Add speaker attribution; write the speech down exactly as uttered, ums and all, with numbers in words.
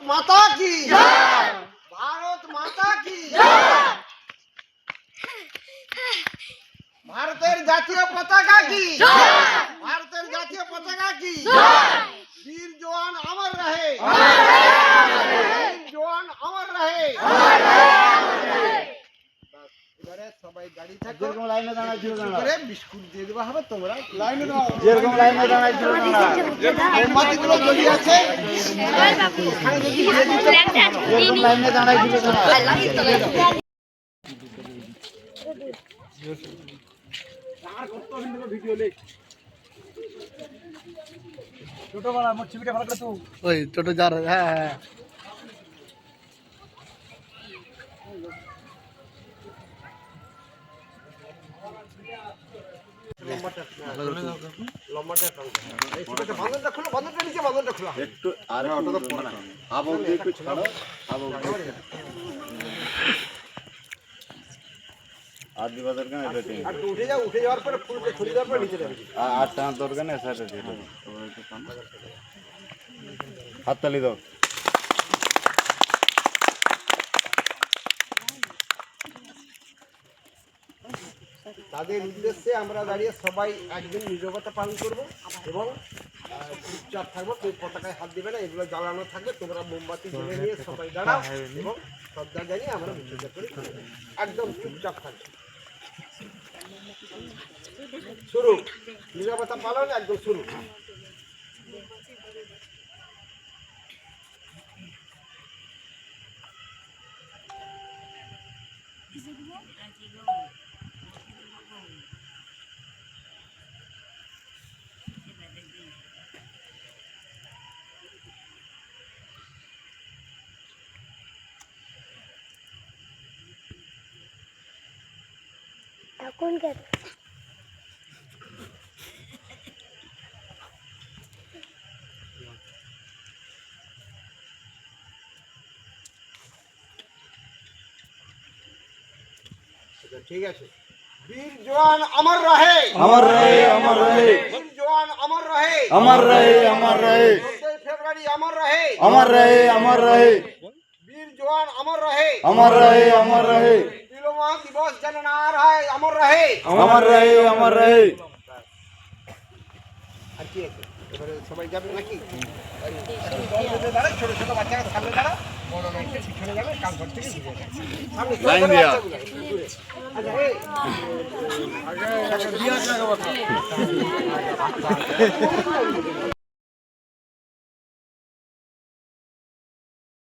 Speaker 1: মাতা কি জয়, ভারত মাতা কি জয়, ভারতের জাতীয় পতাকা কি জয়, ভারতের জাতীয় পতাকা কি জয়, বীর জওয়ান অমর রহে, বীর জওয়ান অমর রহে। এবারে সবাই দাঁড়িয়ে থাকো,
Speaker 2: যেরকম লাইনে দাঁড়াইছিল
Speaker 1: করে বিস্কুট দিয়ে দেওয়া হবে, তোমরা লাইনে দাঁড়াও,
Speaker 2: যেরকম লাইনে দাঁড়াইছিল
Speaker 1: মোমবাতিগুলো জ্বলিয়ে আছে, এখানে যদি দিয়ে দিতে
Speaker 2: যেরকম লাইনে দাঁড়াইছিল ছোটবেলা আমার ছবিটা ভালো করে তো ওই ছোট যার হ্যাঁ হ্যাঁ
Speaker 1: বাঁধনটা খুলো, বাঁধনটা নিচে, বাঁধনটা খোলা
Speaker 2: একটু আর ওটা তো পড়া আবু একটু ছাড়ো আবু আর দিবা দরকার এটা ঠিক
Speaker 1: আর উঠে যাও, উঠে যাওয়ার পরে ফুলকে ছড়িয়ে দেওয়ার পরে নিচে যাবে।
Speaker 2: আর আর টান দরকার নেই স্যার এটা হাততালি দাও
Speaker 1: তাদের উদ্দেশ্যে আমরা দাঁড়িয়ে সবাই একদিন নীরবতা পালন করব এবং চুপচাপ থাকবো, কেউ পতাকায় হাত দিবে না, এগুলো জ্বালানো থাকবে, তোমরা মোমবাতি জ্বলে নিয়ে সবাই দাঁড়াও এবং শ্রদ্ধা জানিয়ে আমরা বিসর্জন করি, একদম চুপচাপ থাকবে। শুরু, নীরবতা পালন একদম শুরু।
Speaker 3: कौन कर
Speaker 1: ঠিক আছে, বীর জওয়ান অমর রহে,
Speaker 2: अमर रहे अमर रहे
Speaker 1: বীর জওয়ান অমর রহে,
Speaker 2: अमर रहे अमर रहे
Speaker 1: চোদ্দই ফেব্রুয়ারি অমর রহে,
Speaker 2: अमर रहे अमर रहे
Speaker 1: বীর জওয়ান অমর রহে,
Speaker 2: अमर रहे अमर रहे
Speaker 1: তিলোমা দিবস যেন না আর হয়, অমর রহে।
Speaker 2: अमर रहे अमर रहे
Speaker 1: আর কি আছে এবারে সবাই যাবে নাকি? দাঁড়া, ছোট ছোট বাচ্চারা সামনে দাঁড়া, বড় মেয়েকে পিছনে যাবে, কাল ঘর থেকে ঘুরে যাবে। সামনে ছোট
Speaker 2: লাইন
Speaker 1: ছোট
Speaker 2: দেয়া।
Speaker 1: বাচ্চাগুলো একটু দূরে। আচ্ছা, এই, আগে একটা বিয়ার জায়গা